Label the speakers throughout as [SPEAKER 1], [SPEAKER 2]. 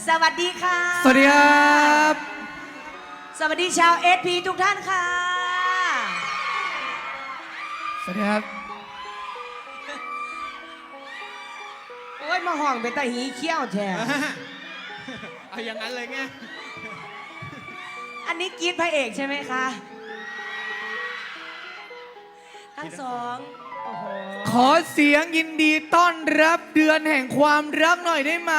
[SPEAKER 1] สวัสดีค่ะ
[SPEAKER 2] สวัสดีครับ
[SPEAKER 1] สวัสดีชาวSPทุกท่านค่ะ
[SPEAKER 2] สวัสดีครับ
[SPEAKER 1] โอ้ยมาห่องเป็นตาหีเขี้ยวแท้
[SPEAKER 3] เอาอย่างนั้นเลยไง
[SPEAKER 1] อันนี้กรีดพระเอกใช่ไหมคะทั้งสองโอ้โห
[SPEAKER 2] ขอเสียงยินดีต้อนรับเดือนแห่งความรักหน่อยได้ไหม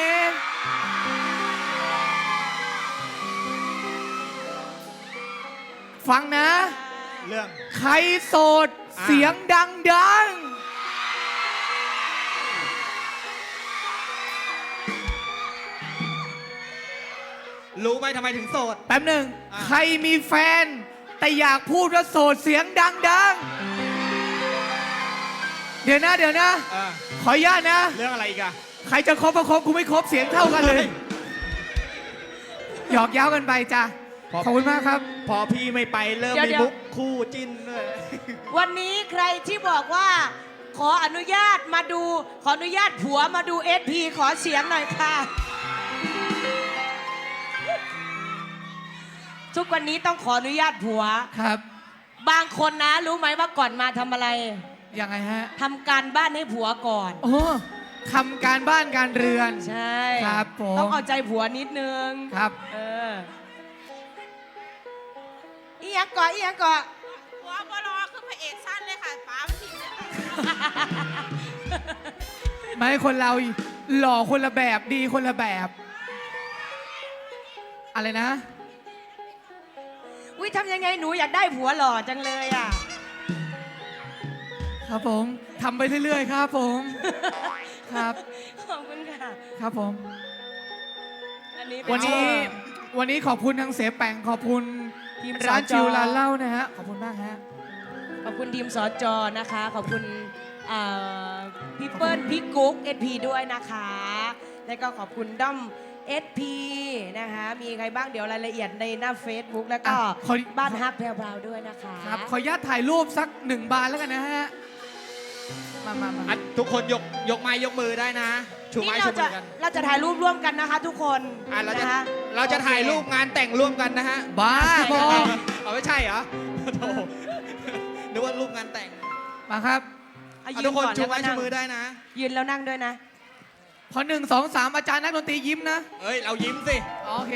[SPEAKER 2] ฟังนะ
[SPEAKER 3] เรื่อง
[SPEAKER 2] ใครโสดเสียงดังดัง
[SPEAKER 3] รู้ไหมทำไมถึงโสด
[SPEAKER 2] แป๊บหนึ่งใครมีแฟน แต่อยากพูดว่าโสดเสียงดังดังเดี๋ยวนะ ขออนุญาตนะ
[SPEAKER 3] เรื่องอะไรอีกอะ
[SPEAKER 2] ใครจะครบก็ครบกูไม่ครบเสียงเท่ากันเลย หยอกเย้ากันไปจ้ะขอบคุณมากครับ
[SPEAKER 3] พอพี่ไม่ไปเริ่มมีมุกคู่จิ้นด้วย
[SPEAKER 1] วันนี้ใครที่บอกว่าขออนุญาตมาดูขออนุญาตผัวมาดู SP ขอเสียงหน่อยค่ะ ทุกวันนี้ต้องขออนุญาตผัว
[SPEAKER 2] ครับ
[SPEAKER 1] บางคนนะรู้ไหมว่าก่อนมาทำอะไร
[SPEAKER 2] ยังไงฮะ
[SPEAKER 1] ทำการบ้านให้ผัวก่อน
[SPEAKER 2] โอ้ทำการบ้านการเรือน
[SPEAKER 1] ใช่
[SPEAKER 2] ครับผม
[SPEAKER 1] ต้องเอาใจผัวนิดนึง
[SPEAKER 2] ครับ
[SPEAKER 1] อีหยังก่ออีหยังก่อ
[SPEAKER 4] หัวบลอคือพระเอกสั้นเลยค่ะป๋ามันทิ้งเลยค่ะ
[SPEAKER 2] ไม่คนเราหล่อคนละแบบดีคนละแบบ อะไรนะ
[SPEAKER 1] วิทำยังไงหนูอยากได้ผัวหล่อจังเลยอ่ะ
[SPEAKER 2] ครับผมทำไปเรื่อยๆครับผมครับ
[SPEAKER 1] ขอบคุณค่ะ
[SPEAKER 2] ครับผม
[SPEAKER 1] อันนี้
[SPEAKER 2] วันนี้ขอบคุณทางเสแปงขอบคุณ
[SPEAKER 1] ทีม
[SPEAKER 2] ร้าน
[SPEAKER 1] สจ
[SPEAKER 2] จิวร้านเหล้านะฮะขอบคุณมากฮะ
[SPEAKER 1] ขอบคุณทีมสจนะคะ ขอบคุณพี่เปิ้ลพี่กุ๊ก SP ด้วยนะคะ แล้วก็ขอบคุณด้อม SP นะคะ มีใครบ้างเดี๋ยวรายละเอียดในหน้า Facebook แล้วก็ บ้านฮักแพรวๆด้วยนะคะ
[SPEAKER 2] ครับขออนุญาตถ่ายรูปสัก1 บานแล้วกันนะฮะมา
[SPEAKER 3] ทุกคนยกไม้ยกมือได้นะ ชู
[SPEAKER 1] นี่
[SPEAKER 3] ไม้
[SPEAKER 1] เรา
[SPEAKER 3] ชู
[SPEAKER 1] จะ
[SPEAKER 3] มือกัน
[SPEAKER 1] เราจะถ่ายรูปร่วมกันนะคะ ทุกคน
[SPEAKER 3] เราจะ
[SPEAKER 1] นะคะ
[SPEAKER 3] เราจะถ่ายรูปงานแต่งร่วมกันนะฮะ
[SPEAKER 2] บ้าบอ
[SPEAKER 3] เอาไม่ใช่เหรอโธ่นึกว่ารูปงานแต่ง
[SPEAKER 2] มาครับ
[SPEAKER 1] เอา
[SPEAKER 3] เอา
[SPEAKER 1] ยื
[SPEAKER 3] ทุ
[SPEAKER 1] น
[SPEAKER 3] กคน
[SPEAKER 1] ก่อน
[SPEAKER 3] ชู
[SPEAKER 1] แล้ว
[SPEAKER 3] ไม้
[SPEAKER 1] ก็
[SPEAKER 3] ชู
[SPEAKER 1] นั่ง
[SPEAKER 3] มือได้นะ
[SPEAKER 1] ยืนแล้วนั่งด้วยนะ
[SPEAKER 2] พอ1 2 3อาจารย์นักดนตรียิ้มนะ
[SPEAKER 3] เอ้ยเรายิ้มสิ
[SPEAKER 2] อ๋อโอเค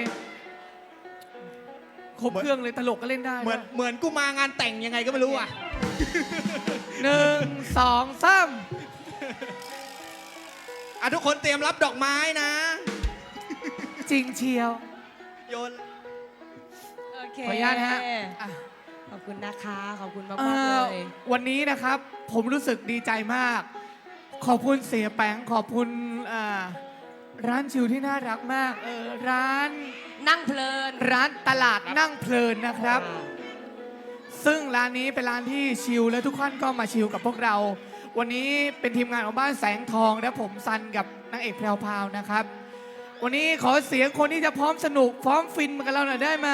[SPEAKER 2] ครบเครื่องเลยตลกก็เล่นได้
[SPEAKER 3] เหมือนกูมางานแต่งยังไงก็ไม่รู้อ่ะ
[SPEAKER 2] 1 2 3
[SPEAKER 3] ทุกคนเตรียมรับดอกไม้นะ
[SPEAKER 2] จริงเชียว
[SPEAKER 3] โยน
[SPEAKER 1] โอเค
[SPEAKER 2] ขออนุญาตนะฮะอ่ะ
[SPEAKER 1] ขอบคุณนะคะ ขอบคุณมาก
[SPEAKER 2] เอ่
[SPEAKER 1] ๆ
[SPEAKER 2] อ
[SPEAKER 1] เลย
[SPEAKER 2] วันนี้นะครับ ผมรู้สึกดีใจมาก ขอบคุณเสียแปงขอบคุณร้านชิวที่น่ารักมากร้าน
[SPEAKER 1] นั่งเพลิน
[SPEAKER 2] ร้านตลาดนั่งเพลินนะครับ ซึ่งร้านนี้เป็นร้านที่ชิลและทุกท่านก็มาชิลกับพวกเรา วันนี้เป็นทีมงานของบ้านแสงทองและผมซันกับนางเอกแพรวพราวนะครับ วันนี้ขอเสียงคนที่จะพร้อมสนุกพร้อมฟินมากับเราหน่อยได้ไหม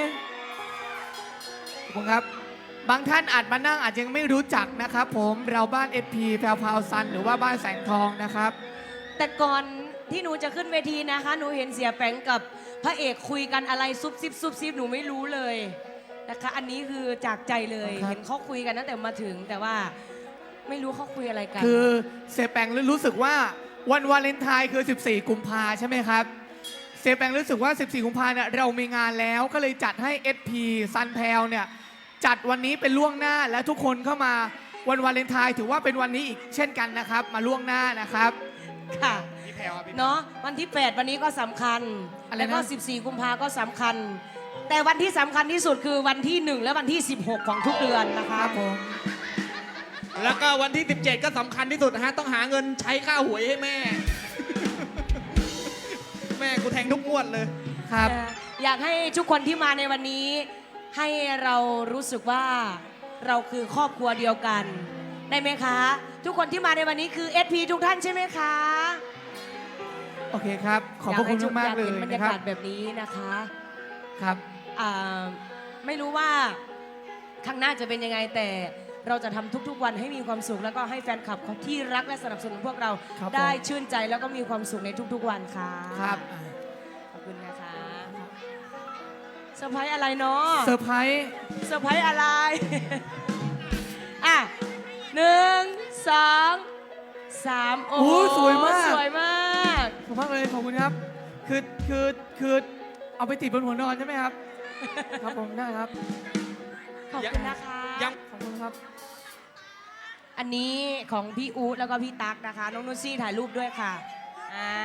[SPEAKER 2] ขอบคุณครับ บางท่านอาจมานั่งอาจจะยังไม่รู้จักนะครับ ผมเราบ้าน SP แพรวพราวซันหรือว่าบ้านแสงทองนะครับ
[SPEAKER 1] แต่ก่อนที่หนูจะขึ้นเวทีนะคะ หนูเห็นเสียแปงกับพระเอกคุยกันอะไรซุบซิบหนูไม่รู้เลยนะคะ อันนี้คือจากใจเลย
[SPEAKER 2] ครับ
[SPEAKER 1] เห็นเขาคุยกันตั้งแต่มาถึง แต่ว่าไม่รู้เขาคุยอะไรกัน
[SPEAKER 2] คือเสียแปงรู้สึกว่าวันวาเลนไทน์คือ 14 กุมภาใช่ไหมครับ เสียแปงรู้สึกว่า 14 กุมภาเนี่ยเรามีงานแล้วก็เลยจัดให้ SP ซันแพลเนี่ยจัดวันนี้เป็นล่วงหน้าและทุกคนเข้ามาวันวาเลนไทน์ถือว่าเป็นวันนี้อีกเช่นกันนะครับ มาล่วงหน้านะครับ
[SPEAKER 1] ค่ะ
[SPEAKER 3] พี่แพรวพี่
[SPEAKER 1] เนาะวันที่ 8 วันนี้ก็สำคัญ
[SPEAKER 2] อะไรนะ
[SPEAKER 1] แล้วก็ 14 กุมภาก็สำคัญ แต่วันที่สำคัญที่สุดคือวันที่ 1 และวันที่ 16 ของทุกเดือนนะ
[SPEAKER 2] ค
[SPEAKER 1] คะ
[SPEAKER 2] รับผม
[SPEAKER 3] แล้วก็วันที่ 17 ก็สำคัญที่สุดนะฮะ ต้องหาเงินใช้ค่าหวยให้แม่ แม่กูแทงทุกงวดเลย
[SPEAKER 2] ครับ
[SPEAKER 1] อยากให้ทุกคนที่มาในวันนี้ ให้เรารู้สึกว่าเราคือครอบครัวเดียวกัน ได้ไหมคะ ทุกคนที่มาในวันนี้คือ SP ทุกท่านใช่ไหมคะ
[SPEAKER 2] โอเคครับ ขอบพระคุณมากๆเลย
[SPEAKER 1] อยากเห็นบรร
[SPEAKER 2] นะ
[SPEAKER 1] ยา
[SPEAKER 2] ครั
[SPEAKER 1] กา
[SPEAKER 2] บ
[SPEAKER 1] ศแบบนี้นะคะ
[SPEAKER 2] ครับ
[SPEAKER 1] ไม่รู้ว่าข้างหน้าจะเป็นยังไงแต่เราจะทำทุกๆวันให้มีความสุข แล้วก็ให้แฟนคลับที่รักและสนับสนุนพวกเรา
[SPEAKER 2] ครับผม
[SPEAKER 1] ได้ชื่นใจแล้วก็มีความสุขในทุกๆวันค่ะ
[SPEAKER 2] ครับ
[SPEAKER 1] คุณนะคะเซอร์ไพรส์อะไรเนาะ
[SPEAKER 2] เซอร์ไพรส์
[SPEAKER 1] เซอร์ไพรส์อะไร อ่ะ1 2 3โอ้
[SPEAKER 2] โอ้สวยมาก
[SPEAKER 1] สวยมาก
[SPEAKER 2] ขอบคุณมากเลยขอบคุณครับคือเอาไปติดบนหัวนอนใช่ไหมครับ ครับผมได้ครับ
[SPEAKER 1] ขอบคุณนะคะ
[SPEAKER 3] ยัง
[SPEAKER 2] ขอบคุณครับ
[SPEAKER 1] อันนี้ของพี่อู๊ดแล้วก็พี่ตั๊กนะคะ น้องนุชซี่ถ่ายรูปด้วยค่ะอ่า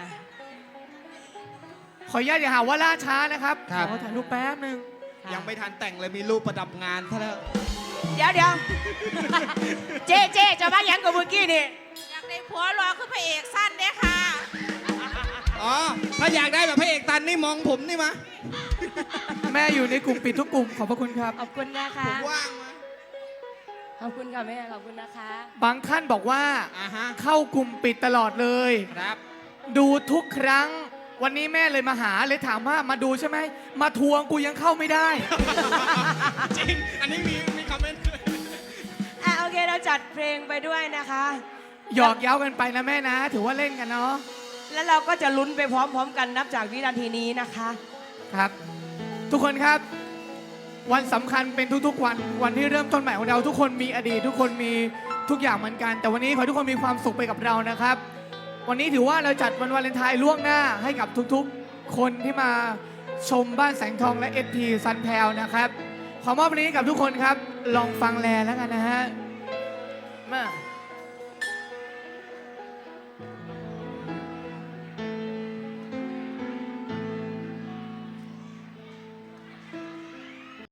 [SPEAKER 2] ขออนุญาตอย่าหาว่าล่าช้านะครับ
[SPEAKER 3] ครับ
[SPEAKER 2] ขอถ่ายรูปแป๊บหนึง
[SPEAKER 1] ค่ะ
[SPEAKER 3] ยังไม่ทันแต่งเลยมีรูปประดับงานซะแล้ว
[SPEAKER 1] เดี๋ยว เจ๊จะมาหยังกับเมื่อกี้นี่
[SPEAKER 4] อยากได้ผัวรอคือพระเอกสั้นเด้ค่ะ
[SPEAKER 3] อ๋อ ถ้าอยากได้แบบพระเอกตันนี่มองผมนี่มา
[SPEAKER 2] แม่อยู่ในกลุ่มปิดทุกกลุ่มขอบพระคุณครับ
[SPEAKER 1] ขอบคุณนะคะ
[SPEAKER 3] ผมว่างมา
[SPEAKER 1] ขอบคุณค่ะแม่ขอบคุณนะคะ
[SPEAKER 2] บางท่านบอกว่า
[SPEAKER 3] อ่าฮะ
[SPEAKER 2] เข้ากลุ่มปิดตลอดเลย
[SPEAKER 3] ครับ
[SPEAKER 2] ดูทุกครั้ง วันนี้แม่เลยมาหาเลยถามว่ามาดูใช่ไหมมาทวงกูยังเข้าไม่ได้
[SPEAKER 3] จริง อันนี้มีคอมเมนต์ด้วย
[SPEAKER 1] อ่ะโอเคเราจัดเพลงไปด้วยนะคะ
[SPEAKER 2] หยอกเย้ากันไปนะแม่นะ ถือว่าเล่นกันเนาะ
[SPEAKER 1] แล้วเราก็จะลุ้นไปพร้อมๆกันนับจากวินาทีนี้นะคะ
[SPEAKER 2] ครับ ทุกคนครับ วันสำคัญเป็นทุกๆวัน วันที่เริ่มต้นใหม่ของเรา ทุกคนมีอดีต ทุกคนมีทุกอย่างเหมือนกัน แต่วันนี้ขอให้ทุกคนมีความสุขไปกับเรานะครับ วันนี้ถือว่าเราจัดวันวาเลนไทน์ล่วงหน้าให้กับทุกๆ คนที่มาชมบ้านแสงทองและ SP ซันแพลนะครับ ขอมอบวันนี้กับทุกคนครับ ลองฟังแลแล้วกันนะฮะมา